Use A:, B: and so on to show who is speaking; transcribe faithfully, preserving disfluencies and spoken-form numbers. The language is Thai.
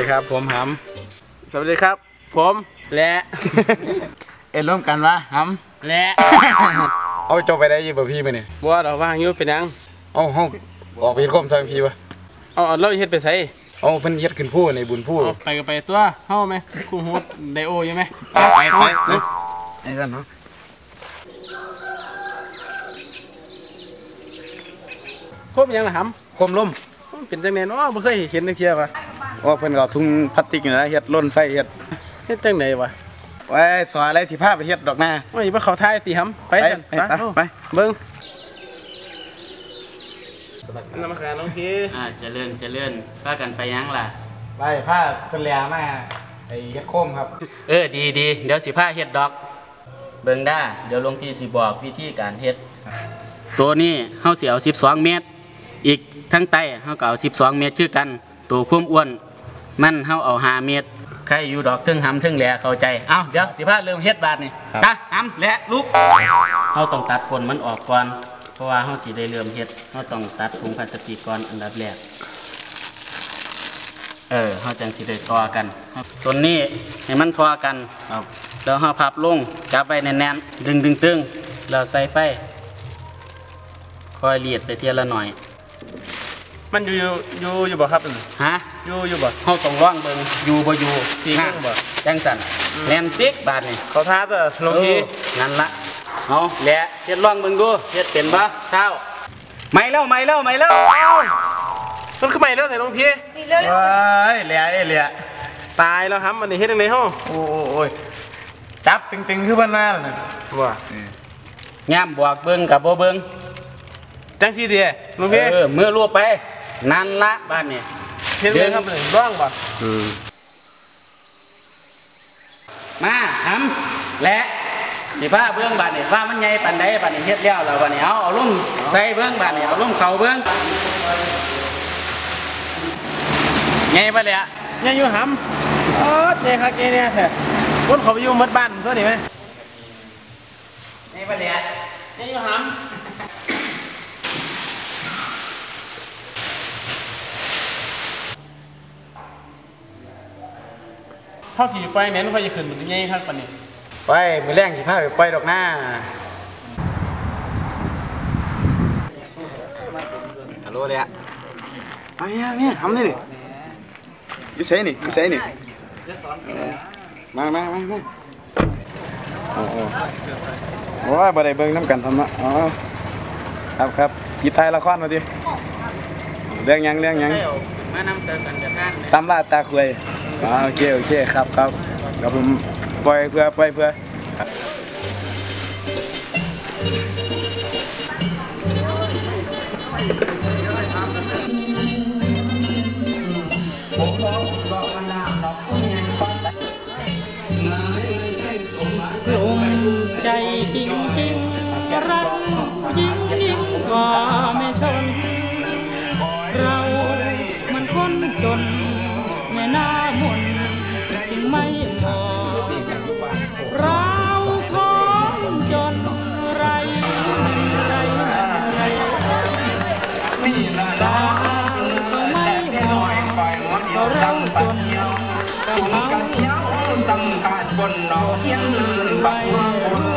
A: ดีครับผมหำสวัสดีครับผมและ
B: เอ็นร่วมกันวะห
A: ำและ
B: เอาจบไปได้ยี่บ่พี่มาเนี่ย
A: บัวเราว่างอยู่เป็นยัง
B: เอาห้องออกไปเฮ็ดข้อมซอยพี่วะ
A: เอาเราเฮ็ดไปใส่
B: เอาเพิ่นเฮ็ดขึ้นผู้ในบุญผู้
A: ไปก็ไปตัวเฮาไหมคู่ฮูดไดโออยู่ไหม
B: ไปไปไปไอ้ท่านเนาะ
A: คมยังล่ะห
B: ำคมล้ม
A: เป็นจังได๋เนาะบ่เคยเห็นจังเที่ยว่ะ
B: ว่าเพิ่นก็ทุ่งพลาสติกนี่นะเฮ็ดล้นไฟเฮ็ด
A: เฮ็ดจังได๋วะ
B: ไว้สอนอะไรที่พาไปเฮ็ดดอกหน้า
A: โอ้ยบ่เข้าท้ายติหำไปซั่น
B: ไป
A: เบิ่งนมัสการหลวงพี่
C: อ่าเจริญเจริญพากันไปยังล่ะ
B: ไปพาเพิ่นแลมาไอ้เฮ็ดโคมครับ
C: เออดีดีเดี๋ยวสิพาเฮ็ดดอกเบิ่งได้เดี๋ยวหลวงพี่สิบอกวิธีการเฮ็ดตัวนี้เฮาสิเอาสิบสองเมตรอีกทั้งใต้เฮาก็เอาสิบสองเมตรคือกันตัวความอ้วนมันเฮาเอาห้าเมตรใครอยู่ดอกเทิงหำเทิงแหล่เข้าใจเอ้าเดี๋ยวสิพาเริ่มเฮ็ดบาดนี่ตาหำแหล่ลุกเฮาต้องตัดผลมันออกก่อนเพราะว่าเฮาสิได้เริ่มเฮ็ดเฮาต้องตัดถุงพลาสติกก่อนอันดับแรกเออเฮาจังสิได้ทอกันส่วนนี้ให้มันทอกันครับแล้วเฮาพับลงจับไว้แน่นๆดึงๆๆแล้วใส่ไฟคอยเลียดไปเทียละหน่อย
A: มันอยู่อยู่อยู่บ่ครับ
C: ฮะ
A: อยู่อยู่บ่
C: เฮาต้องร้องเบิ่งอยู่บ่อยู่
A: ที่นั่งบ่
C: จังสั่นแน่นติ๊กบาดนี่
A: เขาท้าตัวหลวงพี่
C: นั่นละเอาแหละเฮ็ดร้องเบิ่งดูเฮ็ดเป็นบ่เช้าไม่แล้วไม่แล้วไม่แล้ว
A: มันคือไม่แล้วแต่หลวงพี่
B: เฮ้ยแหล่เอ้แหล่
A: ตายแล้วครับมันนี่เฮ็ดจังได๋เฮา
B: โอ้โอ้ยจับตึงๆคือเพิ่นมาน่ะ
A: ว่า
C: ย่ามบวกเบิ่งกับบ่เบิ่ง
A: จังซี่ติหลวงพี่
C: เออมือลวกไปนั่นละบ้านนี่
A: เฮ็ดเลยครับร้องบ่
C: อืมมาหำและสิพาเบื้องบานนี่ว่ามันใหญ่ปานใดบานนี่เฮ็ดแล้วแล้วบานนี่เอาเอาลุ่มใส่เบื้องบานนี่เอาลุ่มเข่าเบื้อง
A: ใหญ่ปะเลยอะใหญ่อยู่หำโอ๊ยใหญ่คักใหญ่เนี่ยแท้คนเขาไปอยู่หมดบ้านเท่านี้ไหม
C: ใหญ่ปะเลยอะ
A: ใหญ่อยู่หำเท่าที่ไปแม่นไปจะขึ้นมันใหญ่คักปานนี้
B: ไปมือแรงสิพาไปปล่อยดอกหน้าฮัลโหลเลยอะมาเนี่ยเนี่ยทำได้นี่อยู่เซ่นี่อยู่เซ่นี่มามามามาโอ้โหโอ้ยบ่ได้เบิ่งน้ำกันทำละอ๋อครับครับกีตายละครมาดิเรื่องยังเรื่องยัง
C: มานำเสสัญญาณ
B: ตำลาตาคุยอ๋อโอเคโอเคครับครับเดี๋ยวผมปล่อยเพื่อปล่อยเพื่อ
D: ลงใจจริงจริงรักยิ่งยิ่งกว่าไม่สนเรามันคนจนแม่หน้ามนจึงไม่พอเราคนจนไรไรไรตาก็ไม่พอเราจนกับเขาสังกัดบนดอกเทียนบัง